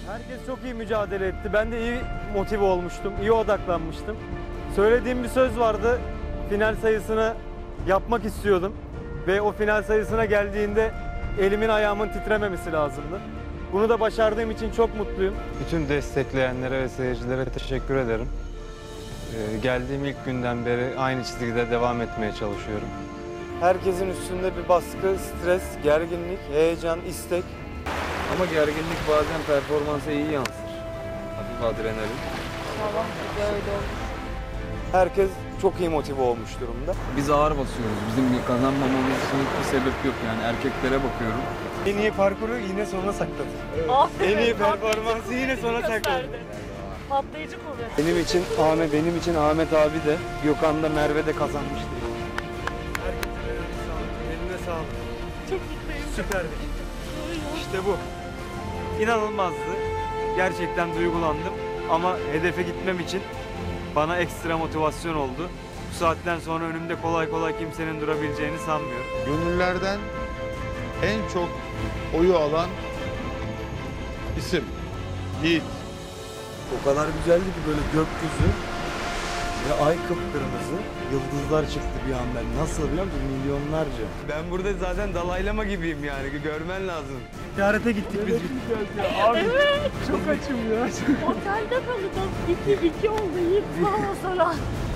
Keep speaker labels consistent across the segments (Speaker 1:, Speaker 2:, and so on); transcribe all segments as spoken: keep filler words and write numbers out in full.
Speaker 1: Herkes çok iyi mücadele etti. Ben de iyi motive olmuştum, iyi odaklanmıştım. Söylediğim bir söz vardı. Final sayısını yapmak istiyordum. Ve o final sayısına geldiğinde elimin ayağımın titrememesi lazımdı. Bunu da başardığım için çok mutluyum.
Speaker 2: Bütün destekleyenlere ve seyircilere teşekkür ederim. Ee, geldiğim ilk günden beri aynı çizgide devam etmeye çalışıyorum.
Speaker 1: Herkesin üstünde bir baskı, stres, gerginlik, heyecan, istek.
Speaker 3: Ama gerginlik bazen performansa iyi yansır. Hafif adrenalin.
Speaker 4: Tamam, öyle olmuş.
Speaker 1: Herkes çok iyi motive olmuş durumda.
Speaker 3: Biz ağır basıyoruz. Bizim kazanmamamız için hiçbir sebep yok yani. Erkeklere bakıyorum.
Speaker 1: En iyi parkuru yine sona sakladı.
Speaker 4: Aferin.
Speaker 1: En iyi
Speaker 4: patlayıcı
Speaker 1: performansı yine sona sakladı.
Speaker 4: gösterdi. Patlayıcı kuvvet.
Speaker 1: Benim için Ahmet, benim için Ahmet abi de, Gökhan da, Merve de kazanmıştı. Herkese eline sağlık. Eline sağlık.
Speaker 4: Çok mutluyum.
Speaker 1: Süperdik. İşte bu. İnanılmazdı. Gerçekten duygulandım. Ama hedefe gitmem için bana ekstra motivasyon oldu. Bu saatten sonra önümde kolay kolay kimsenin durabileceğini sanmıyorum.
Speaker 5: Gönüllerden en çok oyu alan isim Yiğit.
Speaker 1: O kadar güzeldi ki böyle gökyüzü ve ay kıpkırmızı, yıldızlar çıktı bir anda. Nasıl biliyor musun? Milyonlarca. Ben burada zaten dalaylama gibiyim yani, görmen lazım. Ziyarete gittik biz.
Speaker 4: Abi, evet.
Speaker 1: Çok açım ya.
Speaker 4: Otelde kalacağız. İki, iki oldu. Yiğit sağ ol sana.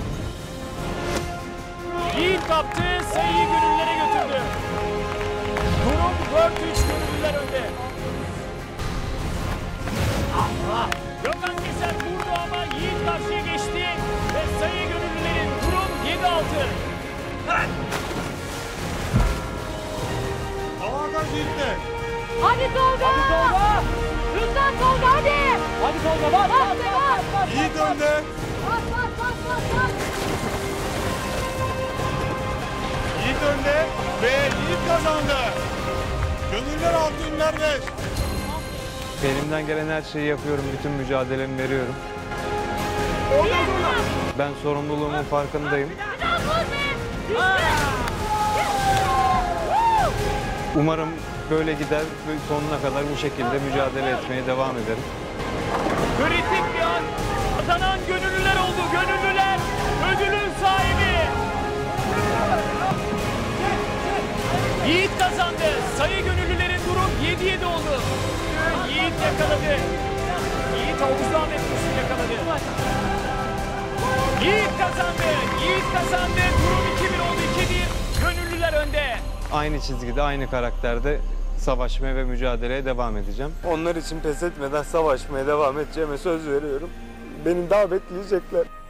Speaker 6: Yiğit kaptı, sayıyı gönüllere götürdü. Durum dört üç gönüllüler önde. Gökhan Keser vurdu ama Yiğit karşıya geçti ve sayı gönüllülerin durum yedi altı.
Speaker 5: Avantaj Yiğit'te.
Speaker 4: Hadi Tolga. Hadi Tolga. Lütfen Tolga hadi.
Speaker 6: Hadi Tolga bas bas bas bas.
Speaker 5: Yiğit önde.
Speaker 4: Bas bas bas bas bas.
Speaker 5: Yiğit önde ve Yiğit kazandı. Gönüller altı ünler beş.
Speaker 2: Elimden gelen her şeyi yapıyorum, bütün mücadelemi veriyorum. Ben sorumluluğumun farkındayım. Umarım böyle gider ve sonuna kadar bu şekilde mücadele etmeye devam ederim.
Speaker 6: Kritik bir an. Kazanan gönüllüler oldu. Gönüllüler ödülün sahibi. Yiğit kazandı. Sayı gönüllülerin durum yedi yedi oldu. Yiğit yakaladı. Yiğit Oğuz Ahmet Kursun yakaladı. Yiğit kazandı. Yiğit kazandı. Durum iki bir oldu. iki bir. Gönüllüler önde.
Speaker 2: Aynı çizgide, aynı karakterde savaşmaya ve mücadeleye devam edeceğim.
Speaker 1: Onlar için pes etmeden savaşmaya devam edeceğime söz veriyorum. Beni davetleyecekler.